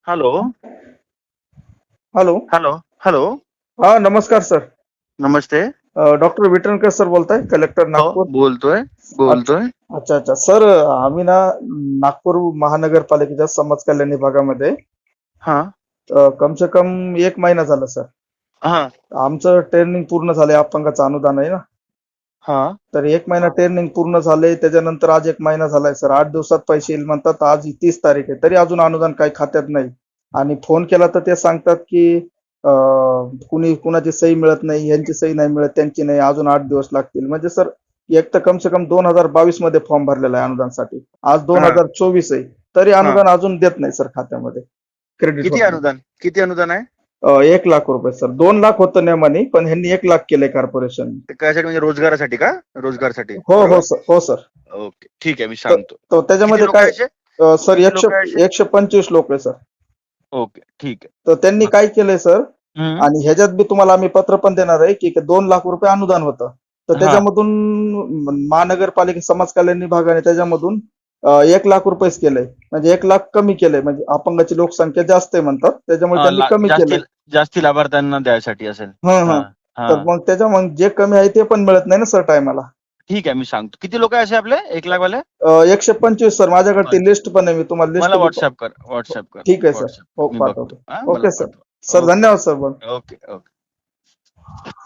Hello. Hello. Hello. Hello. हा, नमस्कार sir. नमस्ते. डॉक्टर विटणकर सर बोलताय, कलेक्टर हो, नागपूर. बोलतोय अच्छा बोलतोय. अच्छा अच्छा. सर, आम्ही ना नागपूर महानगरपालिकेच्या समाज कल्याण विभागामध्ये हा कम से कम 1 महिना झाला सर. हा आमचं ट्रेनिंग पूर्ण झालंय, अपंगाचं अनुदान आहे ना. हा तर 1 महिना ट्रेनिंग पूर्ण झालंय, त्याच्यानंतर आज 1 महिना झालाय सर. 8 दिवसात पैसे येईल म्हणतात. आज 30 तारीख आहे, तरी अजून अनुदान काही खात्यात नाही. आणि फोन केला तर ते सांगतात की कुणाची सही मिळत नाही, यांची सही नाही मिळत, त्यांची नाही, अजून 8 दिवस लागतील. म्हणजे सर, एक तर कम से कम 2022 मध्ये फॉर्म भरलेला आहे अनुदानसाठी. आज हा 2024 आहे, तरी हा अनुदान अजून देत नाही सर खात्यामध्ये. क्रेडिट होत नाही. किती अनुदान आहे? 1 लाख रुपये सर. 2 लाख होतं नेमानी, पण ह्यांनी 1 लाख केलंय कॉर्पोरेशन. ते कशासाठी, म्हणजे रोजगारासाठी का? रोजगारासाठी, हो हो बरोबर. सर, हो सर. ओके, ठीक आहे, मी तर सांगतो. तर किती त्याच्यामध्ये लोक काय, आहे? सर, किती 100 लोक आहे? 125 लोक आहे सर. ओके, ठीक तर त्यांनी आहे. काय केलंय सर, हम्म. आणि ह्याच्यात बी तुम्हाला आम्ही पत्र पण देणार आहे की 2 लाख रुपये अनुदान होतं. तर हा त्याच्यामधून महानगरपालिका समाज कल्याण विभागाने त्याच्यामधून 1 लाख रुपयेच केलंय. म्हणजे 1 लाख कमी केलंय. म्हणजे अपंगाची लोकसंख्या जास्त आहे म्हणतात, त्याच्यामुळे त्यांनी कमी जास्ती केलंय. जास्ती लाभार्थ्यांना द्यायसाठी असेल. हं हा हं. हा तर मग मग जे कमी आहे ते पण मिळत नाही ना सर टायमाला. ठीक आहे, मी सांगतो. किती लोक आहे असे आपले 1 लाख वाले? 125 सर. माझ्याकडे ती लिस्ट पण आहे, मी तुम्हाला लिस्ट मला बी व्हॉट्सअप कर, व्हॉट्सअप कर, ठीक आहे सर. व्हॉट्सअप. हो, मी बघतो. पाठवतो. हा, मला ओके सर. पाठव. सर, ओके धन्यवाद सर. Okay okay.